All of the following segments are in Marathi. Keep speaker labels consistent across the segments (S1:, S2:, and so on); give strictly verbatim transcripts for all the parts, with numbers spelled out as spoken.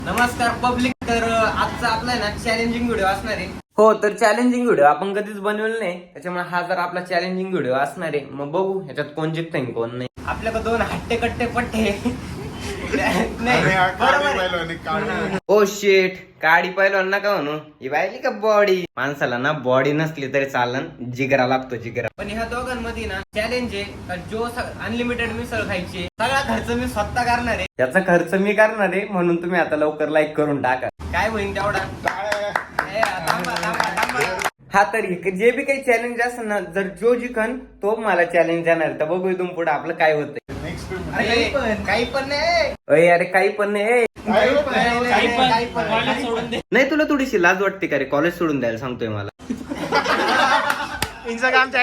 S1: नमस्कार पब्लिक. तर आजचा आपला ना चॅलेंजिंग व्हिडिओ असणार आहे. हो, तर चॅलेंजिंग व्हिडिओ आपण कधीच बनवलं नाही, त्याच्यामुळे हा जर आपला चॅलेंजिंग व्हिडिओ असणार आहे. मग बघू ह्याच्यात कोण जिंकतंय कोण नाही. आपल्याकडे दोन हट्टे कट्टे पट्टे ओ शेट, काडी पहिलवान नका म्हणू, ही पाहिली का बॉडी. माणसाला ना बॉडी नसली तरी चालन, जिगरा लागतो जिगरा. पण ह्या दोघांमध्ये ना चॅलेंज आहे, जो अनलिमिटेड मिसळ खायची, सगळा खर्च मी स्वतः करणार आहे. त्याचा खर्च मी करणार आहे, म्हणून तुम्ही आता लवकर लाईक करून टाका. काय होईल तेवढा. हा, तर जे बी काही चॅलेंज असेल ना, जर जो जिंकन तो मला चॅलेंज देणार. तर बघू इथून पुढे आपलं काय होतंय. काही पण नाही अरे, काही पण नाही. नाही, तुला थोडीशी लाज वाटते का रे कॉलेज सोडून द्यायला सांगतोय मला. इंस्टाग्राम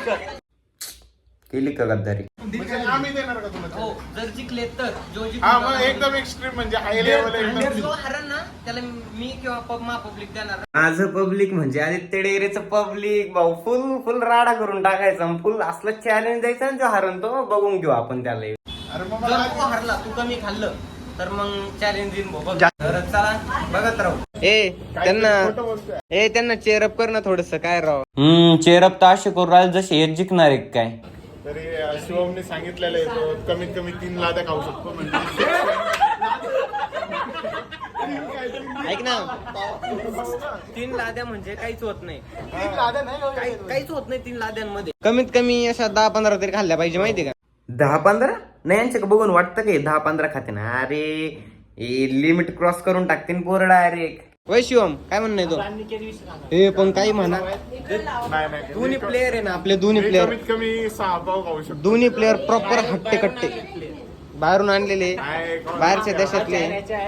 S1: केली का गद्दारी.
S2: आम्ही देणार का तुला?
S1: हो, जर जिंकले तर जो
S2: एकदम एक्स्ट्रीम म्हणजे हाय लेवल.
S1: जो हरण ना त्याला मी किंवा मा पब्लिक देणार. माझं पब्लिक म्हणजे आदित्य डेअरीचं पब्लिक भाऊ, फुल फुल राडा करून टाकायचा. फुल असलं चॅलेंज द्यायचं आणि जो हरण तो बघून घेऊ आपण त्याला. जर तू हरला, तू कमी खाल्लं तर मग चॅलेंज देईन भाऊ. तर चला बघत राहू. ए त्यांना ए त्यांना चेअरअप कर ना थोडस. काय राव, हम्म चेअरअप तर असे करू राहिले जसे हे जिंकणार आहे काय.
S2: तरी शिवमने सांगितलेलं आहे तो कमीत कमी तीन लाद्या खाऊ शकतो. म्हणजे
S1: ऐक ना, तीन लाद्या म्हणजे काहीच होत नाही. काही- काहीच होत नाही तीन लाद्यांमध्ये. कमीत कमी अशा दहा पंधरा तरी खाल्ल्या पाहिजे, माहिती का. दहा पंधरा नाही, यांच्या बघून वाटतं की दहा पंधरा खाते ना. अरे लिमिट क्रॉस करून टाकते पोर डायरेक्ट. वय शिवम, काय म्हणणं तो. हे पण काही म्हणा, दोन्ही प्लेयर आहे ना आपले. दोन्ही प्लेयर
S2: कमीत कमी सहा पाव खाऊ शकतो.
S1: दोन्ही प्लेयर प्रॉपर हट्टे कट्टे बाहेरून आणलेले, बाहेरच्या देशातले.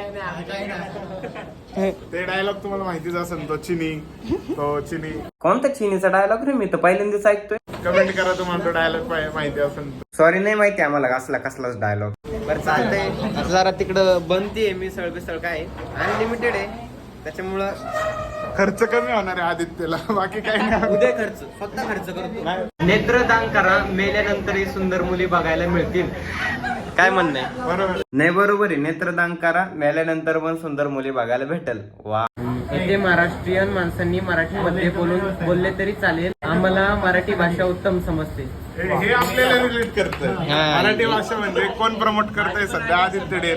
S2: ते डायलॉग तुम्हाला माहितीच असेल, तो चिनी तो चिनी
S1: कोणता चिनीचा डायलॉग रे, मी तर पहिल्यांदाच ऐकतोय.
S2: कमेंट करा तुम्हाला तो डायलॉग माहिती असेल.
S1: सॉरी, नाही माहिती आम्हाला कसला कसलाच डायलॉग. बरं चालतंय. आता जरा तिकडं बनतीये मिसळ बिसळ, काय अनलिमिटेड आहे त्याच्यामुळं
S2: खर्च कमी होणार आहे आदित्यला, बाकी काही नाही.
S1: उद्या खर्च स्वतः खर्च करतो. नेत्रदान करा, मेल्यानंतरही सुंदर मुली बघायला मिळतील. काय म्हणणं आहे.
S2: बरोबर
S1: नाही बरोबर आहे. नेत्रदान करा, मेल्यानंतर पण सुंदर मुली बघायला भेटल. वा. इथे महाराष्ट्रीयन माणसांनी मराठीमध्ये बोलून बोलले तरी चालेल, आम्हाला मराठी भाषा उत्तम समजते.
S2: हे आपल्याला रिलेट करतं. मराठी भाषा म्हणजे कोण प्रमोट करतंय सध्या? आदित्य डेअरी.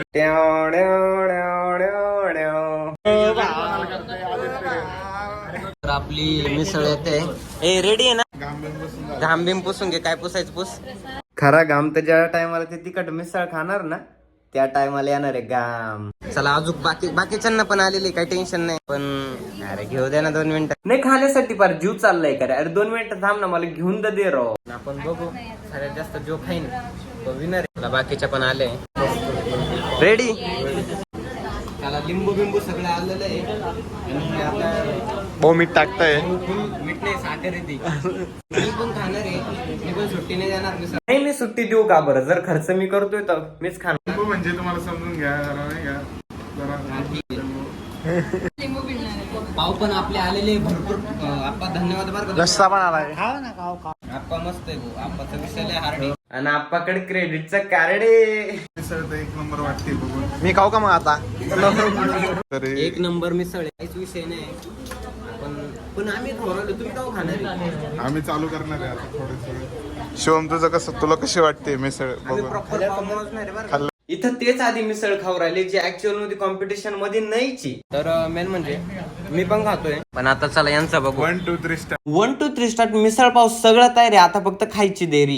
S1: तर आपली मिसळ येते. ए रेडी आहे ना. घाम बिम पुसून घे, काय पुसायचं पुस. खरा घाम तर ज्या टायमाला ते तिखट मिसळ खाणार ना त्या टायमाला येणार आहे घाम. चला अजून बाकी बाकीच्यांना पण आलेली, काही टेन्शन नाही. पण अरे घेऊ द्या ना दोन मिनिटं. नाही खाण्यासाठी फार जीव चाललाय का रे. अरे दोन मिनिटं थांब ना, मला घेऊन तर दे राव. आपण बघू सगळ्यात जास्त जो खाईन तो विनर आहे. बाकीच्या पण आले. रेडी. त्याला लिंबू बिंबू सगळं आलेलं आहे. आणि आता
S2: हो मीठ टाकताय.
S1: मीठ नाही, साखर येते. मी पण खाणार आहे, मी पण सुट्टी नाही देणार. नाही, मी सुट्टी देऊ का बरं. जर खर्च मी करतोय तर मीच खाणार.
S2: म्हणजे तुम्हाला समजून घ्या जरा, नाही का जरा.
S1: पाव पण आपले आलेले भरपूर. आप्पा धन्यवाद बरं का.
S2: रस्सा पण आलाय.
S1: आप्पा मस्त आहे भाऊ. आप्पाचा विषय लय हार्ड आहे. आणि आप्पाकडे क्रेडिटचा कार्ड आहे.
S2: मिसळ तर एक नंबर वाटते बघून. मी खाऊ का मग आता.
S1: एक नंबर मिसळ आहे, काहीच विषय नाही. पण पण आम्ही ठरवलं, तुम्ही का खाणार आहे.
S2: आम्ही चालू करणार आहे आता थोडे थोडे. शिवम तुझं कसं, तुला कशी वाटते मिसळ बघून?
S1: प्रॉपर नाही बरं. इथं तेच आधी मिसळ खाऊ राहिले जे ऍक्च्युअल मध्ये कॉम्पिटिशन मध्ये नाहीची. तर मेन म्हणजे मी पण खातोय. पण आता चला यांचा बघू.
S2: One two three star.
S1: One two three start misal pav सगळं तयार आहे. आता फक्त खायची देरी.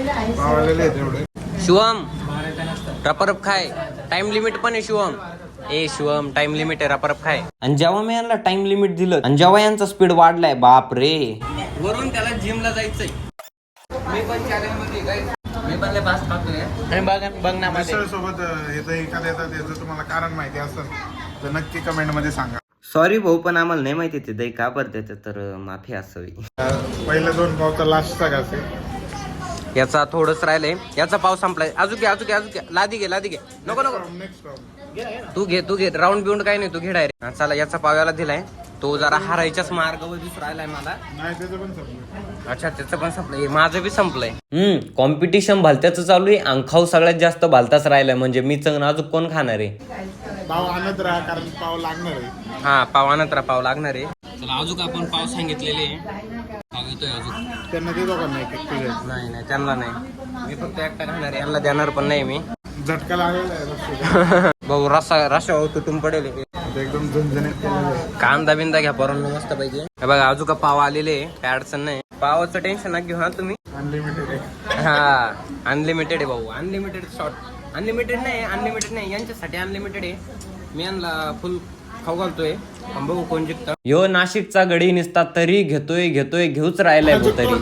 S1: शिवम रपरप खाय. टाइम लिमिट पण आहे शिवम. ए शिवम, टाइम लिमिट आहे, रपरप खाय. आणि जेव्हा मी यांना टाइम लिमिट दिलं आणि जेव्हा यांचा स्पीड वाढलाय, बाप रे. वरून त्याला जिमला जायचंय. मी पण चॅलेंज मध्ये काय, मी पण लय फास्ट खातोय. बघ बघ ना
S2: मिसळ सोबत येतं एखाद्या येतात, याचं तुम्हाला कारण माहिती असेल तर नक्की कमेंट मध्ये सांगा.
S1: सॉरी भाऊ, पण आम्हाला नाही माहिती ते दही का भरते, तर माफी असावी.
S2: पहिल्या दोन पावचा लास्टचा घास आहे.
S1: याचा थोडंच राहिलंय. याचा पाव संपलाय. अजून घे अजून घे अजून घे. लादी घे लादी घे. नको नको
S2: नेक्स्ट राऊंड.
S1: तू घे तू घे. राऊंड बिऊंड काही नाही, तू घे डायरेक्ट. चला याचा पाव याला दिलाय. तो जरा हारायच्याच मार्गावर दिसून राहिलाय मला.
S2: नाही त्याचं पण संपलं.
S1: अच्छा त्याचं पण संपलंय, माझं बी संपलंय. हम्म कॉम्पिटिशन भालत्याचं चालू आहे आणि खाऊ सगळ्यात जास्त भालताच राहिलाय. म्हणजे मी चंग अजून कोण खाणार आहे.
S2: पाव आणत राहा कारण पाव लागणार आहे.
S1: हा पाव आणत राहा, पाव लागणार आहे. चला अजून आपण पाव सांगितलेले पाव येतोय अजून.
S2: त्यांना देतो का नाही
S1: नाही नाही त्यांना नाही, मी फक्त एकटा खाणार आहे, यांना देणार पण नाही मी.
S2: झटका लागलेला आहे.
S1: भाऊ रस्सा रस्सा तुटून पडेल.
S2: एकदम झणझणीत केलेलं आहे.
S1: कांदा बिंदा घ्या पोरांनो मस्त पाहिजे. हे बघा अजून का पाव आलेले, काय अडचण नाही. पावाचं टेन्शन ना घेऊ हा तुम्ही.
S2: अनलिमिटेड आहे.
S1: हा अनलिमिटेड आहे भाऊ, अनलिमिटेड शॉर्ट. अनलिमिटेड नाही, अनलिमिटेड नाही, यांच्यासाठी अनलिमिटेड आहे. मी यांना फुल खाऊ घालतोय, पण बघू कोण जिंकतं. यो नाशिकचा गडी निसता तरी घेतोय घेतोय घेऊच राहिलाय भाऊ तरी.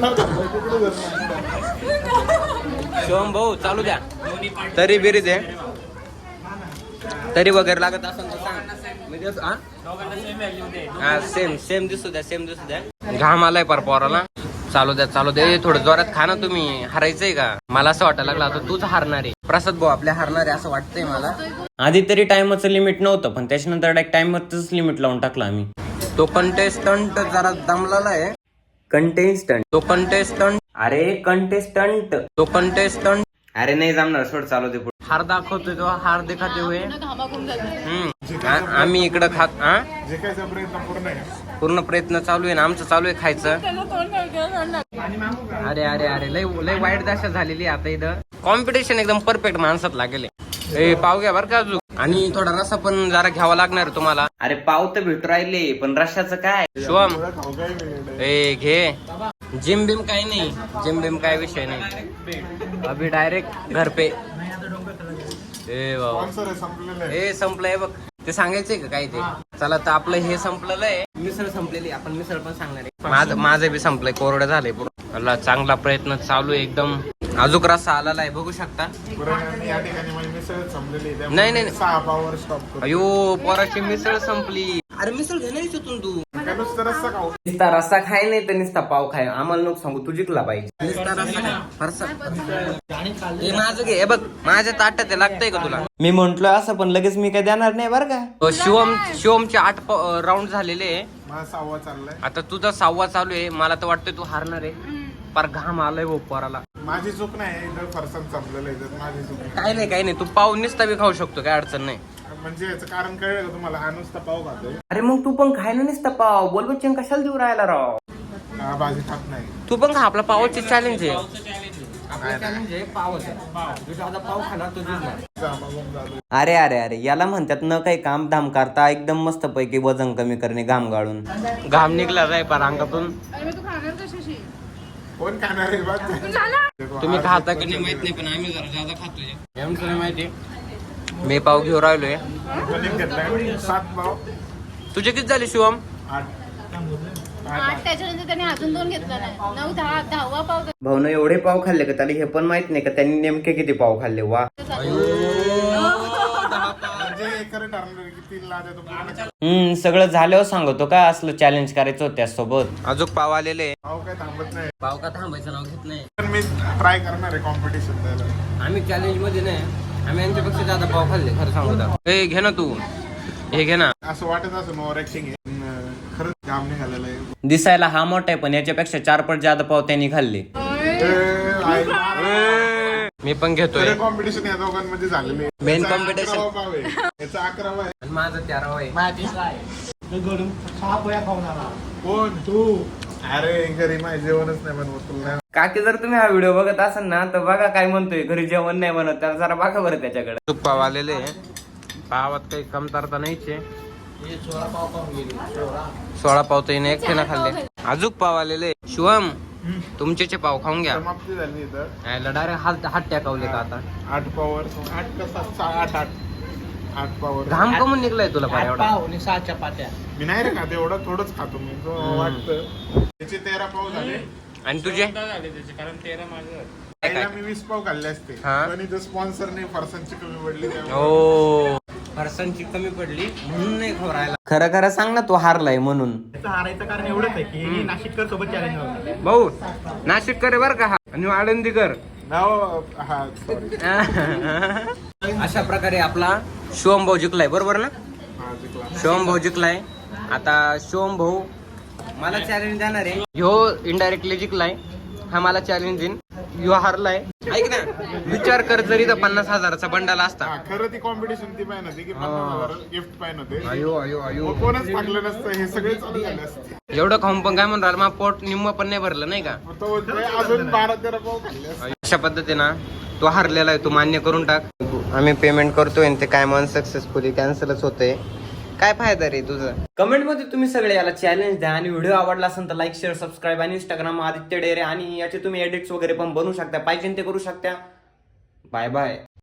S1: शिवम भाऊ चालू द्या. तरी बिरी दे, तरी वगैरे लागत असेल तर सांग. मी देतो. हा सेम सेम दिसू द्या, सेम दिसू द्या. घाम आलाय पर पोराला. चालू द्या चालू द्या, थोडं जोरात खा ना तुम्ही. हारायचंय का? मला असं वाटायला लागलं आता तूच हारणार आहे. प्रसाद भाऊ आपल्या हारणार आहे असं वाटतंय मला. आधी तरी टाइमचं लिमिट नव्हतं, पण त्याच्यानंतर डायरेक्ट टाइमवरच लिमिट लावून टाकलं आम्ही. तो कंटेस्टंट जरा दमलेला आहे. कंटेस्टंट तो कंटेस्टंट अरे कंटेस्टंट तो कंटेस्टंट अरे नाही जमणार, सोड चालू दे. हार दाखवतोय तो, हार दिखाते हुए. हम्म आम्ही इकडं खात हा
S2: जे काय प्रयत्न पूर्ण आहे.
S1: पूर्ण प्रयत्न चालू आहे ना आमचं, चालू आहे खायचं. अरे अरे अरे लय लय वाईट दशा झालेली आता इथं. कॉम्पिटिशन एकदम परफेक्ट माणसात लागेल. ए पाव घ्या बरं का अजून, आणि थोडा रस्सा पण जरा घ्यावा लागणार तुम्हाला. अरे पाव तर भेटू राहिले, पण रश्याचं काय. शिवम ए घे. जिम बिम काही नाही, जिम बिम काय विषय नाही. अभि डायरेक्ट घर पे. ए बाबा हे संपलंय बघ. ते सांगायचंय का काय ते. चला तर आपलं हे संपलेलं आहे. मिसळ संपलेली, आपण मिसळ पण सांगणार आहे. माझं माझं बी संपलंय, कोरडं झालंय पूर्ण. चांगला प्रयत्न चालू आहे एकदम. अजून रस्सा आलेला आहे बघू शकता. नाही नाही
S2: सहा पावर स्टॉप.
S1: अयो पोराची मिसळ संपली. अरे मिसळ घे नाही तू नुसता रस्सा खाय नाही तर नुसता पाव खाय. आम्हाला नको सांगू, तू जिंकला पाहिजे. नुसता रस्सा खाय फरसा. हे माझं घे. हे बघ माझ्या ताटात ते लागतंय का तुला. मी म्हंटल असं, पण लगेच मी काय देणार नाही बरं का. शिवम शिवमचे आठ राऊंड झालेले.
S2: सहावा चाललाय
S1: आता तुझा सहावा चालू आहे. मला तर वाटतंय तू हारणार आहे. पर घाम आलाय भाऊ पोराला.
S2: माझी चूक नाही, फरसाण संपलेलं आहे. माझी चूक
S1: काय नाही काही नाही. तू पाव निसता बी खाऊ शकतो, काय अडचण नाही.
S2: म्हणजे याचं कारण कळलं का तुम्हाला. हा नुसता पाव खातोय.
S1: अरे मग तू पण खायला नसता पाव. बोल बच्चन कशाला देऊ राहायला राव.
S2: हा भाजी खात नाही.
S1: तू पण खा. आपला पावाची चॅलेंज आहे. अरे अरे अरे याला म्हणतात न काही काम धाम करता एकदम मस्त पैकी वजन कमी करणे घाम गाळून. घाम निघला जाय पर अंगातून.
S2: कोण खाणार आहे.
S1: तुम्ही खाता की नाही माहित नाही, पण आम्ही जरा जादा खातोय. माहिती मी पाव घेऊन राहिलोय.
S2: सात पाव.
S1: तुझे किती झाले शिवम.
S2: आठ.
S3: आठ त्याच्यानंतर त्याने अजून दोन घेतला नाही. नऊ दहा दहावा पाव.
S1: भाऊन एवढे पाव खाल्ले का त्याला हे पण माहित नाही का त्यांनी नेमके किती पाव खाल्ले. वा हम्म सगळं झाल्यावर सांगतो का असलं चॅलेंज करायचं होत्या सोबत. अजून पाव आलेले.
S2: पाव काय थांबत नाही.
S1: पाव का थांबायचं नाव घेत नाही.
S2: पण मी ट्राय करणार आहे कॉम्पिटिशन द्यायला.
S1: आम्ही चॅलेंज मध्ये नाही, आम्ही यांच्यापेक्षा जादा पाव खाल्ले खरं सांगतो. हे घे ना तू, हे घे ना.
S2: असं वाटत असं ओव्हर ऍक्टिंग आहे, खरंच काम निघालेलं आहे.
S1: दिसायला हा मोठा आहे, पण याच्यापेक्षा चार पट जादा पाव त्यांनी खाल्ले. मी पण घेतोय.
S2: कॉम्पिटिशन या दोघांमध्ये झालेलं आहे.
S1: मेन कॉम्पिटिशन
S2: याचा अकरावा आहे.
S1: माझं तेरावा आहे.
S2: कोण तू. अरे घरी माझे जेवणच नाही बनवत तुला.
S1: काकी जर तुम्ही हा व्हिडिओ बघत असाल ना तर बघा काय म्हणतोय. घरी जेवण नाही बनवत, त्याला जरा बघा बरं त्याच्याकडे. तूप पाव आलेले. पावात काही कमतरता नाहीच आहे. सोळा पाव तर हिने एकटे ना खाल्ले. अजून पाव आलेले. शिवम तुमचे पाव खाऊन घ्या.
S2: समाप्ती झाली इथं.
S1: डायरेक्ट हात हात टाकावले का आता.
S2: आठ पावर आठ कसा आठ आठ आठ पावर.
S1: घाम कमून निघलाय तुला पाय एवढा.
S3: सहा चपात्या.
S2: मी नाही रे खात एवढं, थोडंच खातो मी. वाटतं त्याचे तेरा पाव झाले.
S1: आणि तुझे
S2: कारण तेरा माझं मी वीस पाव खाल्ले असते, पण इथं स्पॉन्सरने फरसाणची कमी पडली.
S1: हो फरसाणची कमी पडली म्हणून नाही खवरायला. खरं खरं सांग ना, तू हारलाय म्हणून.
S4: हारायचं कारण एवढंच आहे की नाशिककर सोबत चॅलेंज होतं.
S1: भाऊ नाशिककर बर का हा, आणि आळंदीकर. अशा प्रकारे आपला शिवम भाऊ जिंकलाय बरोबर ना. शिवम भाऊ जिंकलाय. आता शिवम भाऊ मला चॅलेंज देणार आहे. ह्यो इनडायरेक्टली जिंकलाय, हा मला चॅलेंज देईन. ह्यो हारलाय. ऐक ना, विचार कर जरी तर पन्नास हजाराचा बंडल असता.
S2: हा, खरं ती कॉम्पिटिशन ती पाहिजे होती की पन्नास हजार गिफ्ट पाहिजे होते.
S1: अयो अयो अयो
S2: मग कोणच टाकलं नसतं, हे सगळे चालू झाले असते.
S1: एवढं खाऊन पण काय म्हणून राहिलं, मग पोट निम्म पण नाही भरलं नाही का.
S2: मग तो बोलतोय, अजून बारा तेरा पाव खाल्ले असते.
S1: अशा पद्धतीनं तो हरलेला आहे, तू मान्य करून टाक. आम्ही पेमेंट करतोय आणि ते काय मन सक्सेसफुली कॅन्सलच होतंय. काय फायदा रे तुझं. कमेंट मध्ये तुम्ही सगळे याला चॅलेंज द्या आणि व्हिडिओ आवडला असेल तर लाईक शेअर सबस्क्राईब आणि इंस्टाग्राम आदित्य डेरे आणि याचे तुम्ही एडिट्स वगैरे पण बनवू शकता, पाहिजे ते करू शकता. Bye bye.